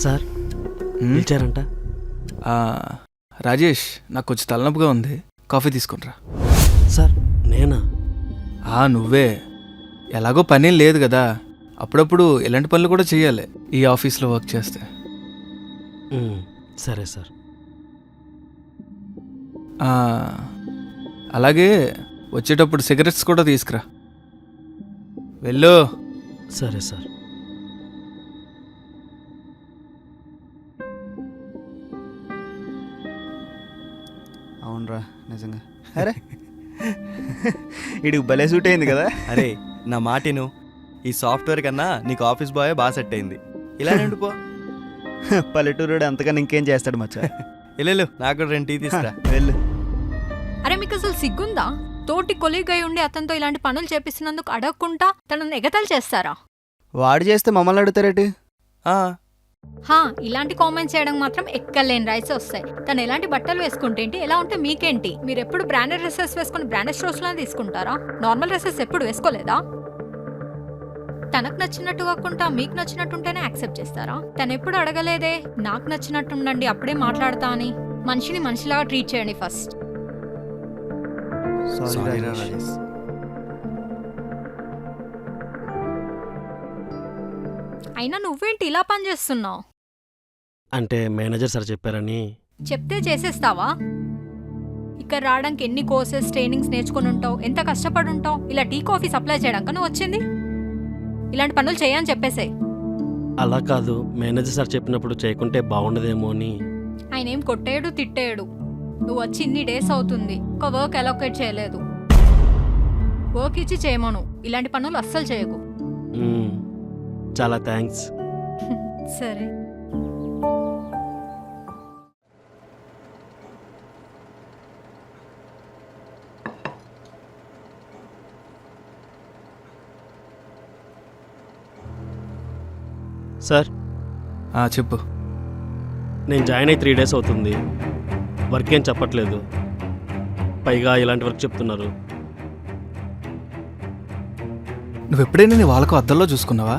Sir పిలిచారంట. Rajesh, నాకు కొంచెం తలనొప్పిగా ఉంది, కాఫీ తీసుకునిరా. సార్ నేనా? నువ్వే. ఎలాగో పనేం లేదు కదా, అప్పుడప్పుడు ఇలాంటి పనులు కూడా చేయాలి ఈ ఆఫీస్లో వర్క్ చేస్తే. సరే సార్. అలాగే వచ్చేటప్పుడు సిగరెట్స్ కూడా తీసుకురా. వెళ్ళు. సరే సార్. అవునరా, నిజంగా. అరే ఇడికి భలే సూట్ అయింది కదా. అరే నా మాటిను, ఈ సాఫ్ట్వేర్ కన్నా నీకు ఆఫీస్ బాయ్ బాగా సెట్ అయింది. ఇలా నిండిపో. పల్లెటూరుడు అంతకన్నా ఇంకేం చేస్తాడు మచ్చా. వెళ్ళు, నాకు కూడా 2 టీ తీసుకురా. వెళ్ళు. అరే మీకు అసలు సిగ్గుందా? తోటి కొలీగ్ అయి ఉండి అతనితో ఇలాంటి పనులు చేపిస్తున్నందుకు అడగకుండా తనను ఎగతాలు చేస్తారా? వాడు చేస్తే మమ్మల్ని అడుగుతారేటి? ఇలాంటి కామెంట్స్ చేయడం మాత్రం ఎక్కలేని రైట్స్ వస్తాయి. తను ఎలాంటి బట్టలు వేసుకుంటేంటి, ఎలా ఉంటే మీకేంటి? మీరు ఎప్పుడు బ్రాండెడ్ డ్రెస్సెస్ వేసుకుని బ్రాండెడ్ స్టోర్స్ లోనే తీసుకుంటారా? నార్మల్ డ్రెస్సెస్ ఎప్పుడు వేసుకోలేదా? తనకు నచ్చినట్టు కాకుండా మీకు నచ్చినట్టుంటేనే యాక్సెప్ట్ చేస్తారా? తను ఎప్పుడు అడగలేదే నాకు నచ్చినట్టు ఉండండి అప్పుడే మాట్లాడతా అని. మనిషిని మనిషిలాగా ట్రీట్ చేయండి ఫస్ట్. అయినా నువ్వేంటి ఇలా పని చేస్తున్నావు? అంటే మేనేజర్ సార్ చెప్పారని. చెప్తే చేసేస్తావా? ఇక్కడ రావడానికి ఎన్ని కోర్సెస్ ట్రైనింగ్స్ నేర్చుకుని ఉంటావు, ఎంత కష్టపడి ఉంటావు. ఇలా టీ కాఫీ సప్లై చేయడానికి నువ్వు వచ్చింది? ఇలాంటి పనులు చేయని చెప్పేసే. అలా కాదు, మేనేజర్ సార్ చెప్పినప్పుడు చేయకుంటే బాగుండదేమో అని. ఆయన ఏం కొట్టేయడు తిట్టేయడు. నువ్వు వచ్చి ఇన్ని డేస్ అవుతుంది, ఒక వర్క్ అలొకేట్ చేయలేదు. వర్క్ ఇచ్చి చేయమను, ఇలాంటి పనులు అస్సలు చేయకు. చాలా థ్యాంక్స్. సరే. సార్ చెప్పు. నేను జాయిన్ అయ్యి 3 డేస్ అవుతుంది. వర్క్ ఏం చెప్పట్లేదు, పైగా ఇలాంటి వర్క్ చెప్తున్నారు. నువ్వెప్పుడైనా నీ వాళ్ళకు అద్దంలో చూసుకున్నావా?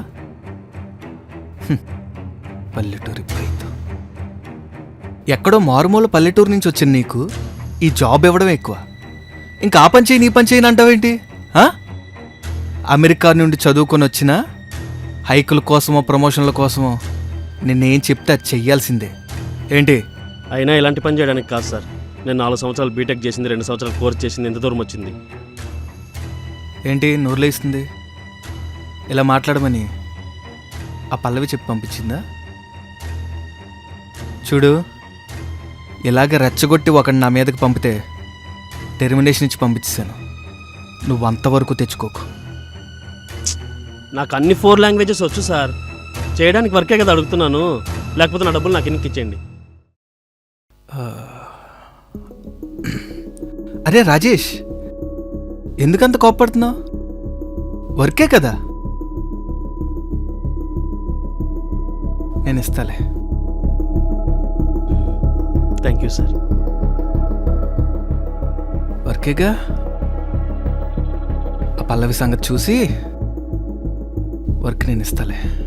పల్లెటూరి ప్రైతు. ఎక్కడో మారుమూల పల్లెటూరు నుంచి వచ్చిన నీకు ఈ జాబ్ ఇవ్వడం ఎక్కువ. ఇంకా ఆ పని చేయి నీ పని చేయని అంటావేంటి? అమెరికా నుండి చదువుకొని వచ్చిన హైకుల కోసమో ప్రమోషన్ల కోసమో నిన్నేం చెప్తే అది చెయ్యాల్సిందే ఏంటి? అయినా ఇలాంటి పని చేయడానికి కాదు సార్. నేను 4 సంవత్సరాలు బీటెక్ చేసింది, 2 సంవత్సరాలు కోర్స్ చేసింది, ఎంత దూరం వచ్చింది? ఏంటి నోరులేస్తుంది? ఇలా మాట్లాడమని ఆ పల్లవి చెప్పి పంపించిందా? చూడు, ఇలాగ రెచ్చగొట్టి ఒకడిని నా మీదకి పంపితే టెర్మినేషన్ ఇచ్చి పంపించేశాను. నువ్వు అంతవరకు తెచ్చుకోకు. నాకు అన్ని 4 లాంగ్వేజెస్ వచ్చు సార్. చేయడానికి వర్కే కదా అడుగుతున్నాను, లేకపోతే నా డబ్బులు నాకు ఎన్నికి ఇచ్చేయండి. అరే రాజేష్, ఎందుకంత కోప్పడుతున్నావు? వర్కే కదా, నేను ఇస్తాలే. Thank you sir. వర్కేగా, ఆ పల్లవి సంగతి చూసి వర్క్ నేను ఇస్తాలే.